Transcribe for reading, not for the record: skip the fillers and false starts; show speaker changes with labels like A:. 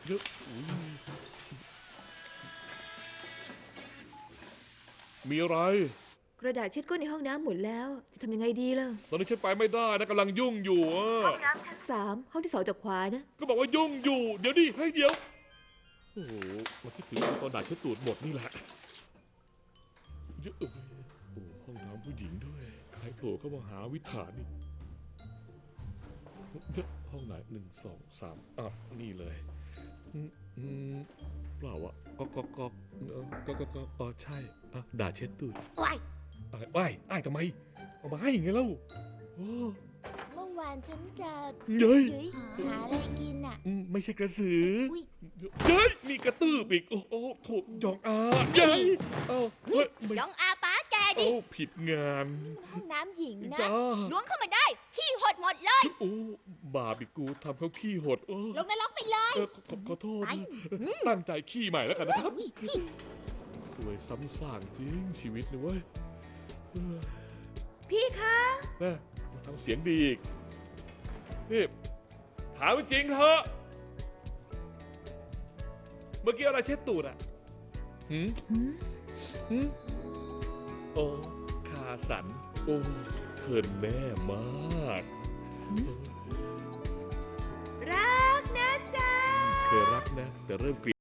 A: เยอะมีอะไร
B: กระดาษเช็ดก้นในห้องน้ำหมดแล้วจะทำยังไงดีล่ะ
A: ตอนนี้ฉันไปไม่ได้นะกำลังยุ่งอยู่
B: ห้องน้ำชั้น3ห้องที่2จากขวานะ
A: ก็บอกว่ายุ่งอยู่เดี๋ยวดิให้เดี๋ยวโอ้โหมาคิดถึงตอนด่าฉันตูดหมดนี่แหละเยอะโอ้ห้องน้ำผู้หญิงด้วยใครโผล่เข้ามาหาวิถานี่ห้องไหน1 2 3นี่เลยเปล่าวะก็ใช่ด่าเช็ดตูด
C: ว้าย
A: อะไรว้ายทำไมเอามาให้ไงเล่าโอ้
C: เมื่อวานฉันจะ
A: เย้ย
C: หาอะไรกินอ่ะ
A: ไม่ใช่กระสือ
C: อุ๊ย
A: เย้ยนี่กระตืออีกโอ้ถูกจองอาเย้ยเฮ้ยไม่
C: ยองอาป้าแกดิ
A: ผิดงาน
C: ห้องน้ำหญิงนะ
A: จ้า
C: ล้วงเข้ามาได้ ขี้หดหมดเลย
A: โอ้บาปอีกกูทำเขาขี้หด
C: ลงนรกไปเลย
A: ขอโทษ
C: ไป
A: ตั้งใจขี้ใหม่แล้วกันนะครับสวยซ้ำซากจริงชีวิตนี่เว้ย
B: พี่คะ
A: นะทำเสียงดีอีกนี่ถามจริงเหอะเมื่อกี้อะไรเช็ดตูดอ่ะโอ้คาสันโอ้เขินแม่มาก
B: รักนะจ๊ะ
A: เคยรักนะแต่เริ่มเกลียด